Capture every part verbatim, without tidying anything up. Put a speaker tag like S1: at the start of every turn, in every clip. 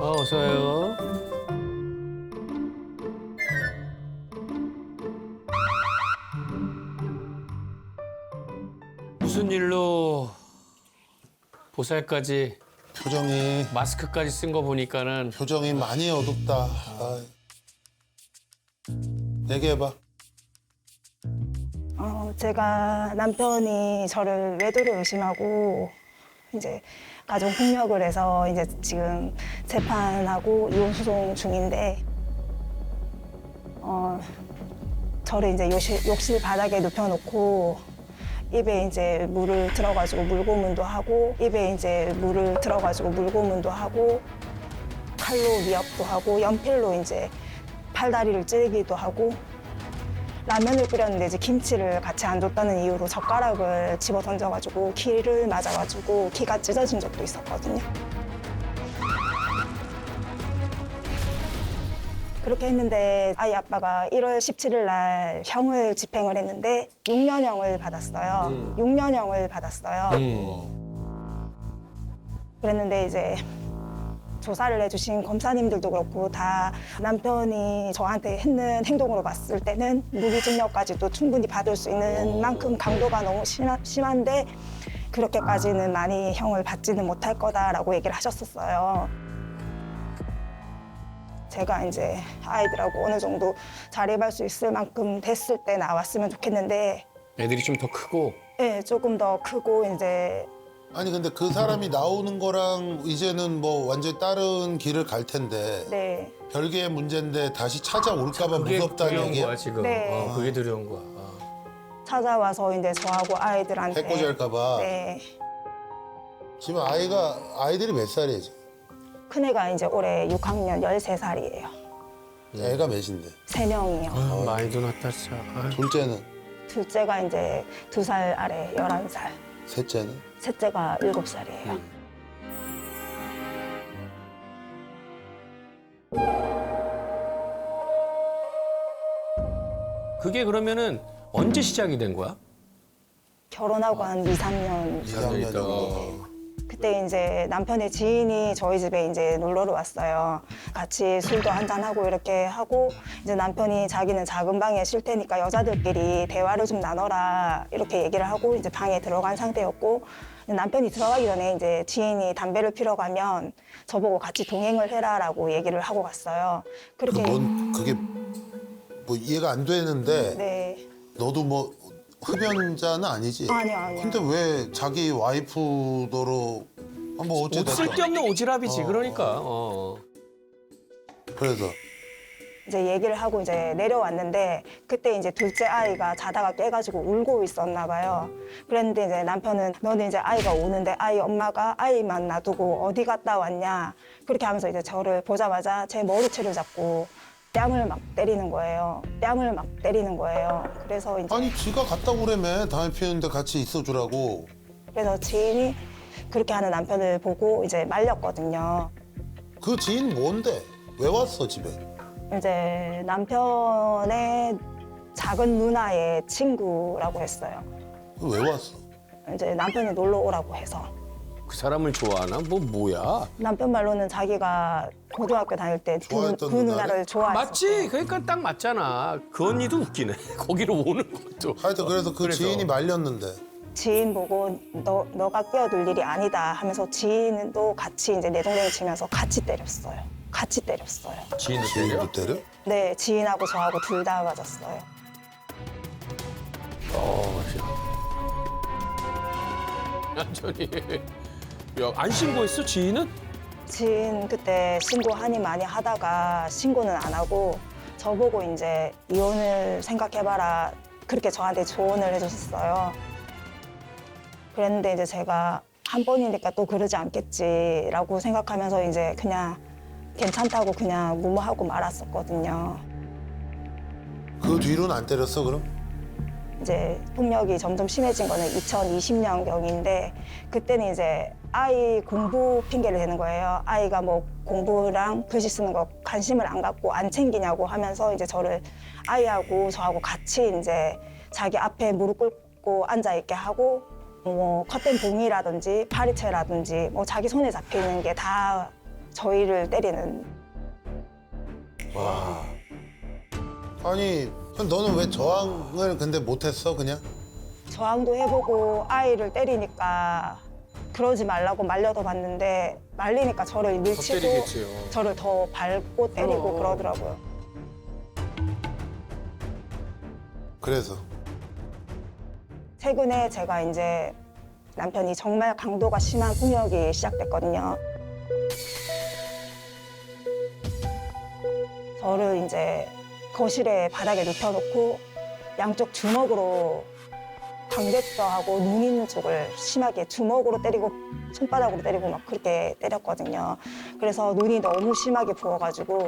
S1: 어, 어서 와요. 무슨 일로 보살까지
S2: 표정이
S1: 마스크까지 쓴 거 보니까는
S2: 표정이 많이 어둡다. 아. 얘기해봐.
S3: 어, 제가 남편이 저를 외도를 의심하고 이제 가정 폭력을 해서 이제 지금 재판하고 이혼 소송 중인데 어, 저를 이제 욕실, 욕실 바닥에 눕혀놓고 입에 이제 물을 들어가지고 물고문도 하고 입에 이제 물을 들어가지고 물고문도 하고 칼로 위협도 하고 연필로 이제 팔다리를 찌르기도 하고 라면을 끓였는데 이제 김치를 같이 안 줬다는 이유로 젓가락을 집어 던져가지고 키를 맞아가지고 키가 찢어진 적도 있었거든요. 그렇게 했는데 아이 아빠가 일월 십칠일 날 형을 집행을 했는데 육 년형을 받았어요.
S1: 음.
S3: 육 년형을 받았어요.
S1: 음.
S3: 그랬는데 이제 조사를 해주신 검사님들도 그렇고 다 남편이 저한테 했는 행동으로 봤을 때는 무기징역까지도 충분히 받을 수 있는 만큼 강도가 너무 심하, 심한데 그렇게까지는 많이 형을 받지는 못할 거다라고 얘기를 하셨었어요. 제가 이제 아이들하고 어느 정도 자립할 수 있을 만큼 됐을 때 나왔으면 좋겠는데
S1: 애들이 좀 더 크고
S3: 네, 조금 더 크고 이제
S2: 아니 근데 그 사람이 나오는 거랑 이제는 뭐 완전히 다른 길을 갈 텐데
S3: 네,
S2: 별개의 문제인데 다시 찾아올까 봐
S1: 그게
S2: 무섭다는
S1: 두려운
S2: 얘기야?
S1: 거야 지금.
S3: 네.
S1: 어, 그게 두려운 거야. 어.
S3: 찾아와서 이제 저하고 아이들한테
S2: 해코지할까 봐.
S3: 네.
S2: 지금 아이가 아이들이 몇 살이에요 지금?
S3: 큰애가 이제 올해 육 학년 열세 살이에요.
S2: 애가 몇인데?
S3: 세 명이요.
S1: 아, 많이도 났다 진짜. 아유.
S2: 둘째는?
S3: 둘째가 이제 두 살 아래 열한 살.
S2: 셋째는?
S3: 셋째가 일곱 살이에요.
S1: 그게 그러면은 언제 시작이 된 거야?
S3: 결혼하고 한 이, 삼 년.
S2: 이 학년
S1: 있다.
S2: 정도.
S3: 그때 이제 남편의 지인이 저희 집에 이제 놀러를 왔어요. 같이 술도 한잔하고 이렇게 하고 이제 남편이 자기는 작은 방에 쉴 테니까 여자들끼리 대화를 좀 나눠라 이렇게 얘기를 하고 이제 방에 들어간 상태였고 남편이 들어가기 전에 이제 지인이 담배를 피러 가면 저보고 같이 동행을 해라라고 얘기를 하고 갔어요. 그렇게
S2: 그뭔 그게 뭐 이해가 안 되는데
S3: 네.
S2: 너도 뭐 흡연자는 아니지?
S3: 아니요, 아니요.
S2: 근데 왜 자기 와이프도로 아, 뭐
S1: 옷
S2: 어쨌든
S1: 쓸데없는 오지랖이지
S2: 어,
S1: 그러니까. 어.
S2: 그래서
S3: 이제 얘기를 하고 이제 내려왔는데 그때 이제 둘째 아이가 자다가 깨가지고 울고 있었나 봐요. 그랬는데 이제 남편은 너는 이제 아이가 우는데 아이 엄마가 아이만 놔두고 어디 갔다 왔냐 그렇게 하면서 이제 저를 보자마자 제 머리채를 잡고 뺨을 막 때리는 거예요. 뺨을 막 때리는 거예요. 그래서 이제
S2: 아니 지가 갔다 오래매 담배 피우는데 같이 있어주라고.
S3: 그래서 지인이 그렇게 하는 남편을 보고 이제 말렸거든요.
S2: 그 지인 뭔데? 왜 왔어 집에?
S3: 이제 남편의 작은 누나의 친구라고 했어요.
S2: 왜 왔어?
S3: 이제 남편이 놀러 오라고 해서.
S1: 그 사람을 좋아하나? 뭐 뭐야?
S3: 남편 말로는 자기가 고등학교 다닐 때 그
S2: 좋아했던
S3: 그
S2: 누나를?
S3: 누나를 좋아했어.
S1: 맞지? 그러니까 딱 맞잖아. 그 언니도 웃기네. 거기로 오는 것도.
S2: 하여튼 그래서 그
S1: 그래서.
S2: 지인이 말렸는데
S3: 지인 보고 너 너가 끼어들 일이 아니다 하면서 지인도 같이 이제 내 동생 치면서 같이 때렸어요. 같이 때렸어요.
S1: 지인도 때려?
S2: 지인도 때려?
S3: 네, 지인하고 저하고 둘 다 맞았어요.
S1: 어, 완전히. 야, 안 신고했어 지인은?
S3: 지인 그때 신고하니 많이 하다가 신고는 안 하고 저보고 이제 이혼을 생각해봐라 그렇게 저한테 조언을 해줬었어요. 그랬는데 이제 제가 한 번이니까 또 그러지 않겠지라고 생각하면서 이제 그냥 괜찮다고 그냥 무모하고 말았었거든요.
S2: 그 뒤로는 안 때렸어 그럼?
S3: 이제 폭력이 점점 심해진 거는 이천이십 년경인데 그때는 이제 아이 공부 핑계를 대는 거예요. 아이가 뭐 공부랑 글씨 쓰는 거 관심을 안 갖고 안 챙기냐고 하면서 이제 저를 아이하고 저하고 같이 이제 자기 앞에 무릎 꿇고 앉아 있게 하고 뭐 컷된 봉이라든지 파리채라든지 뭐 자기 손에 잡혀 있는 게 다 저희를 때리는.
S2: 아니 그럼 너는 왜 저항을 근데 못했어 그냥?
S3: 저항도 해보고 아이를 때리니까 그러지 말라고 말려도 봤는데 말리니까 저를 밀치고
S1: 때리겠지요.
S3: 저를 더 밟고 때리고
S1: 어.
S3: 그러더라고요.
S2: 그래서
S3: 최근에 제가 이제 남편이 정말 강도가 심한 폭력이 시작됐거든요. 저를 이제 거실에 바닥에 눕혀놓고 양쪽 주먹으로 광대뼈하고 눈 있는 쪽을 심하게 주먹으로 때리고 손바닥으로 때리고 막 그렇게 때렸거든요. 그래서 눈이 너무 심하게 부어가지고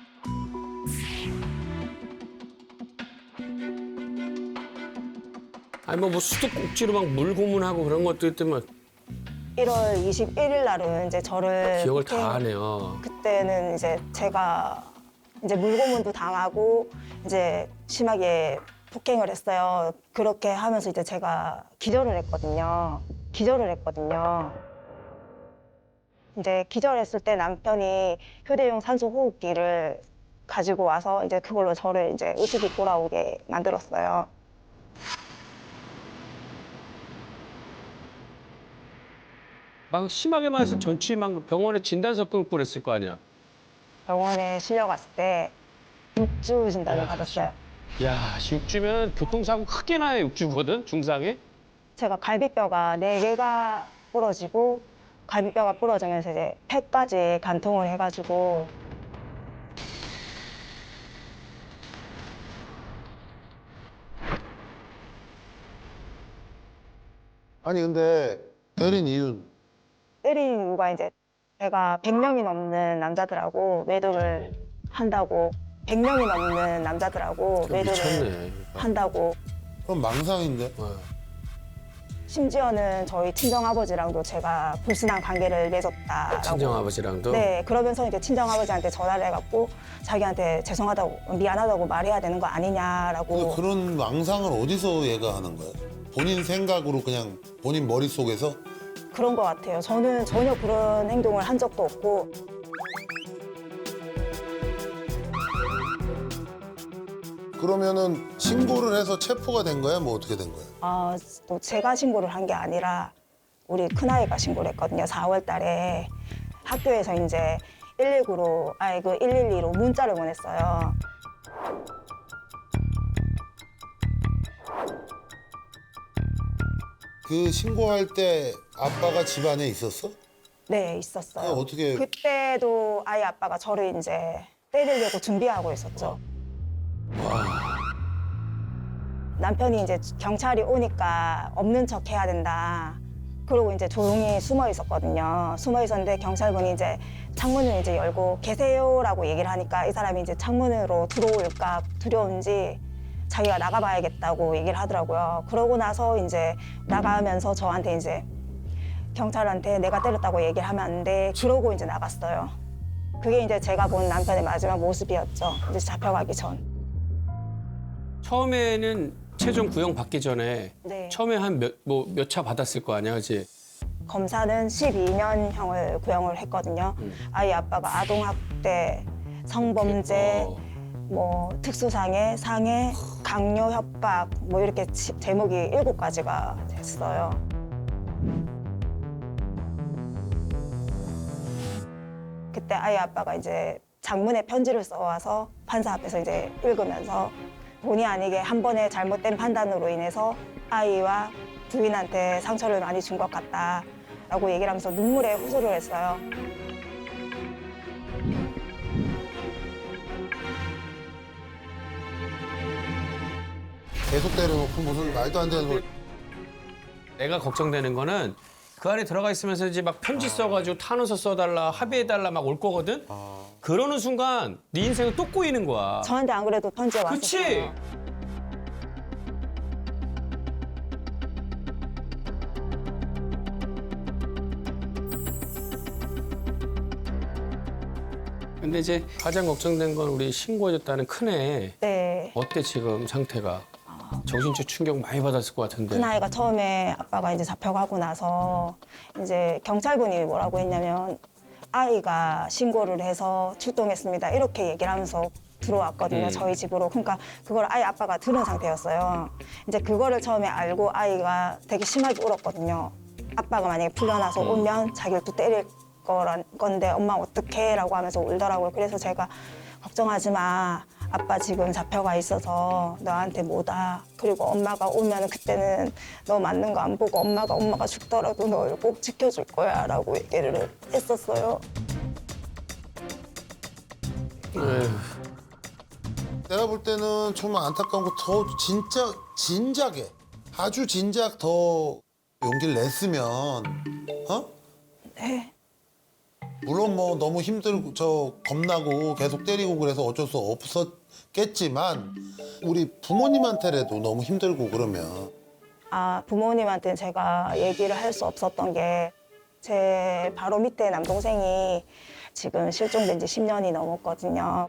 S1: 아니 뭐, 뭐 수도꼭지로 막 물고문하고 그런 것도 있더만
S3: 일월 이십일일 날은 이제 저를
S1: 기억을
S3: 폭행-
S1: 다 하네요.
S3: 그때는 이제 제가 이제 물고문도 당하고 이제 심하게 폭행을 했어요. 그렇게 하면서 이제 제가 기절을 했거든요. 기절을 했거든요. 이제 기절했을 때 남편이 휴대용 산소 호흡기를 가지고 와서 이제 그걸로 저를 이제 의식이 돌아오게 만들었어요.
S1: 막 심하게 맞아서 전치 막 병원에 진단서 끊고 그랬을 거 아니야.
S3: 병원에 실려갔을 때 육주 진단을 받았어요.
S1: 야, 육주면 교통사고 크게 나요, 육주거든, 중상에.
S3: 제가 갈비뼈가 네 개가 부러지고 갈비뼈가 부러지면서 이제 폐까지 간통을 해가지고
S2: 아니 근데 때린 이유는
S3: 때린 이유가 이제 제가 백 명이 넘는 남자들하고 외도를 한다고 백 명이 넘는 남자들하고 외도를
S1: 미쳤네.
S3: 한다고
S2: 그럼 망상인데?
S1: 어.
S3: 심지어는 저희 친정아버지랑도 제가 불순한 관계를 맺었다라고.
S1: 친정아버지랑도.
S3: 네, 그러면서 이제 친정아버지한테 전화를 해갖고 자기한테 죄송하다고 미안하다고 말해야 되는 거 아니냐라고.
S2: 근데 그런 망상을 어디서 얘가 하는 거야? 본인 생각으로 그냥 본인 머릿속에서?
S3: 그런 것 같아요. 저는 전혀 그런 행동을 한 적도 없고.
S2: 그러면은 신고를 해서 체포가 된 거야? 뭐 어떻게 된 거야?
S3: 아, 또 제가 신고를 한 게 아니라 우리 큰아이가 신고를 했거든요. 사월 달에 학교에서 이제 일일구로, 아니 그 일일이로 문자를 보냈어요.
S2: 그 신고할 때 아빠가 집 안에 있었어?
S3: 네, 있었어요.
S2: 아니, 어떻게-
S3: 그때도 아이 아빠가 저를 이제 때리려고 준비하고 있었죠. 남편이 이제 경찰이 오니까 없는 척 해야 된다. 그러고 이제 조용히 숨어 있었거든요. 숨어 있었는데 경찰분이 이제 창문을 이제 열고 계세요라고 얘기를 하니까 이 사람이 이제 창문으로 들어올까 두려운지 자기가 나가봐야겠다고 얘기를 하더라고요. 그러고 나서 이제 나가면서 저한테 이제 경찰한테 내가 때렸다고 얘기를 하면 안 돼. 그러고 이제 나갔어요. 그게 이제 제가 본 남편의 마지막 모습이었죠. 이제 잡혀가기 전.
S1: 처음에는 최종 구형 받기 전에
S3: 네.
S1: 처음에 한 몇 뭐 몇 차 받았을 거 아니야, 그렇지?
S3: 검사는 십이 년형을 구형을 했거든요. 아이 아빠가 아동학대, 성범죄,
S1: 어.
S3: 뭐 특수상해, 상해, 강요 협박 뭐 이렇게 지- 제목이 일곱 가지가 됐어요. 그때 아이 아빠가 이제 장문의 편지를 써와서 판사 앞에서 이제 읽으면서 본의 아니게 한 번의 잘못된 판단으로 인해서 아이와 부인한테 상처를 많이 준 것 같다라고 얘기를 하면서 눈물에 호소를 했어요.
S2: 계속 때려놓고 무슨 말도 안 되는 걸.
S1: 내가 걱정되는 거는 그 안에 들어가 있으면서 이제 막 편지 써가지고 탄원서 써달라, 합의해달라 막 올 거거든? 그러는 순간 네 인생은 또 꼬이는 거야.
S3: 저한테 안 그래도 편지가
S1: 그치?
S3: 왔었어요.
S1: 근데 이제 가장 걱정된 건 우리 신고해줬다는 큰애.
S3: 네.
S1: 어때 지금 상태가? 정신적 충격 많이 받았을 것 같은데.
S3: 큰아이가 처음에 아빠가 이제 잡혀가고 나서 이제 경찰분이 뭐라고 했냐면 아이가 신고를 해서 출동했습니다. 이렇게 얘기를 하면서 들어왔거든요.
S1: 음.
S3: 저희 집으로. 그러니까 그걸 아이 아빠가 들은 상태였어요. 이제 그거를 처음에 알고 아이가 되게 심하게 울었거든요. 아빠가 만약에 풀려나서 오면 자기를 또 때릴 거란 건데 엄마 어떡해? 라고 하면서 울더라고요. 그래서 제가 걱정하지 마. 아빠 지금 잡혀가 있어서 너한테 뭐다. 그리고 엄마가 오면 그때는 너 맞는 거 안 보고 엄마가 엄마가 죽더라도 널 꼭 지켜줄 거야 라고 얘기를 했었어요.
S1: 에휴.
S2: 내가 볼 때는 정말 안타까운 거 더 진짜 진작에 아주 진작 더 용기를 냈으면 어?
S3: 네.
S2: 물론 뭐 너무 힘들고 저 겁나고 계속 때리고 그래서 어쩔 수 없었겠지만 우리 부모님한테라도 너무 힘들고 그러면
S3: 아, 부모님한테는 제가 얘기를 할 수 없었던 게 제 바로 밑에 남동생이 지금 실종된 지 십 년이 넘었거든요.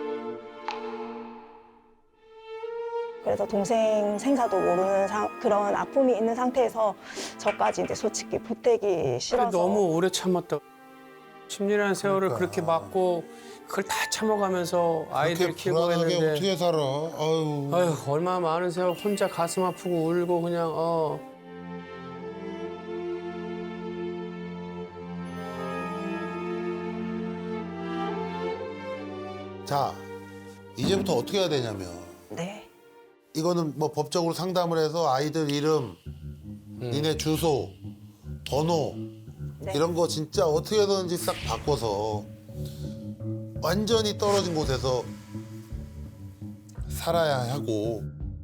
S3: 그래서 동생 생사도 모르는 상, 그런 아픔이 있는 상태에서 저까지 이제 솔직히 보태기 싫어서
S1: 너무 오래 참았다. 십 년이라는 세월을
S2: 그러니까.
S1: 그렇게 맞고 그걸 다 참아가면서 아이들
S2: 그렇게
S1: 키우고
S2: 불안하게
S1: 했는데
S2: 어떻게 살아? 아유.
S1: 아휴 얼마나 많은 세월 혼자 가슴 아프고 울고 그냥 어.
S2: 자, 이제부터 어떻게 해야 되냐면
S3: 네.
S2: 이거는 뭐 법적으로 상담을 해서 아이들 이름, 니네 주소, 번호
S3: 네.
S2: 이런 거 진짜 어떻게든지 싹 바꿔서 완전히 떨어진 곳에서 살아야 하고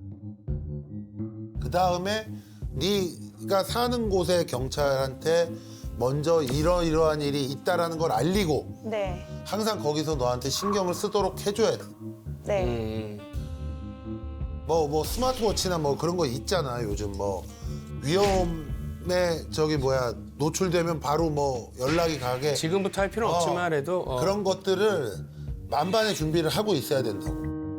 S2: 그 다음에 네가 사는 곳의 경찰한테 먼저 이러이러한 일이 있다라는 걸 알리고
S3: 네.
S2: 항상 거기서 너한테 신경을 쓰도록 해줘야 돼.
S3: 네.
S1: 음.
S2: 뭐, 뭐 스마트워치나 뭐 그런 거 있잖아 요즘 뭐 위험에 저기 뭐야 노출되면 바로 뭐 연락이 가게
S1: 지금부터 할 필요는
S2: 어,
S1: 없지만 해도 어.
S2: 그런 것들을 만반의 준비를 하고 있어야 된다고.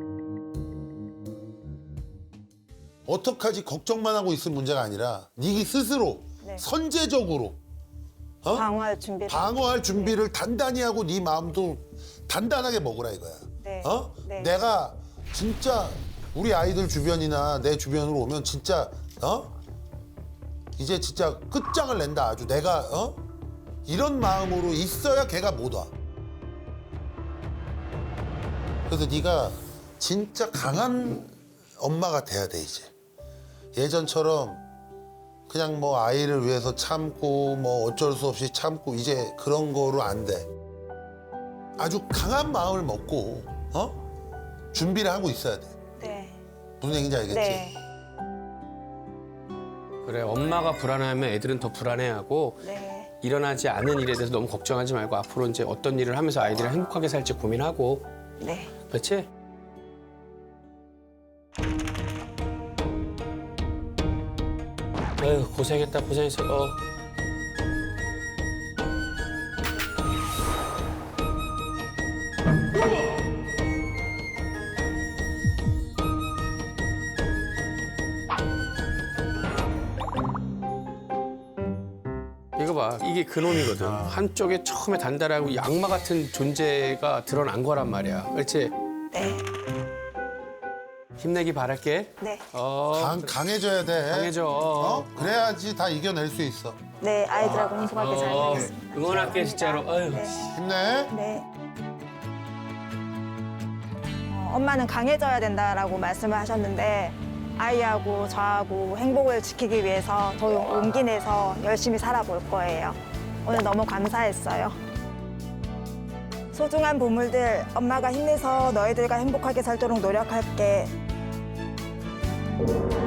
S2: 어떡하지 걱정만 하고 있을 문제가 아니라 네 스스로
S3: 네.
S2: 선제적으로 어?
S3: 방어할 준비를
S2: 방어할 준비를 단단히 하고 네 마음도 단단하게 먹으라 이거야.
S3: 네.
S2: 어?
S3: 네.
S2: 내가 진짜 우리 아이들 주변이나 내 주변으로 오면 진짜 어? 이제 진짜 끝장을 낸다 아주 내가 어? 이런 마음으로 있어야 걔가 못 와. 그래서 네가 진짜 강한 엄마가 돼야 돼 이제. 예전처럼 그냥 뭐 아이를 위해서 참고 뭐 어쩔 수 없이 참고 이제 그런 거로 안 돼. 아주 강한 마음을 먹고 어? 준비를 하고 있어야 돼.
S3: 네.
S2: 무슨 얘기인지 알겠지?
S3: 네.
S1: 그래 엄마가 불안해하면 애들은 더 불안해하고
S3: 네.
S1: 일어나지 않은 일에 대해서 너무 걱정하지 말고 앞으로 이제 어떤 일을 하면서 아이들이 행복하게 살지 고민하고
S3: 네.
S1: 그렇지? 아유 고생했다 고생했어. 어. 이거 봐 이게 그놈이거든. 한쪽에 처음에 단단하고 악마 같은 존재가 드러난 거란 말이야. 그렇지?
S3: 네.
S1: 힘내기 바랄게.
S3: 네.
S1: 어,
S2: 강, 강해져야 돼.
S1: 강해져.
S2: 어? 그래야지 다 이겨낼 수 있어.
S3: 네. 아이들하고 행복하게 잘
S1: 어,
S3: 살겠습니다.
S1: 응원할게 진짜로. 아유.
S2: 힘내.
S3: 네. 어, 엄마는 강해져야 된다라고 말씀을 하셨는데 아이하고 저하고 행복을 지키기 위해서 더 용기 내서 열심히 살아볼 거예요. 오늘 너무 감사했어요. 소중한 보물들, 엄마가 힘내서 너희들과 행복하게 살도록 노력할게.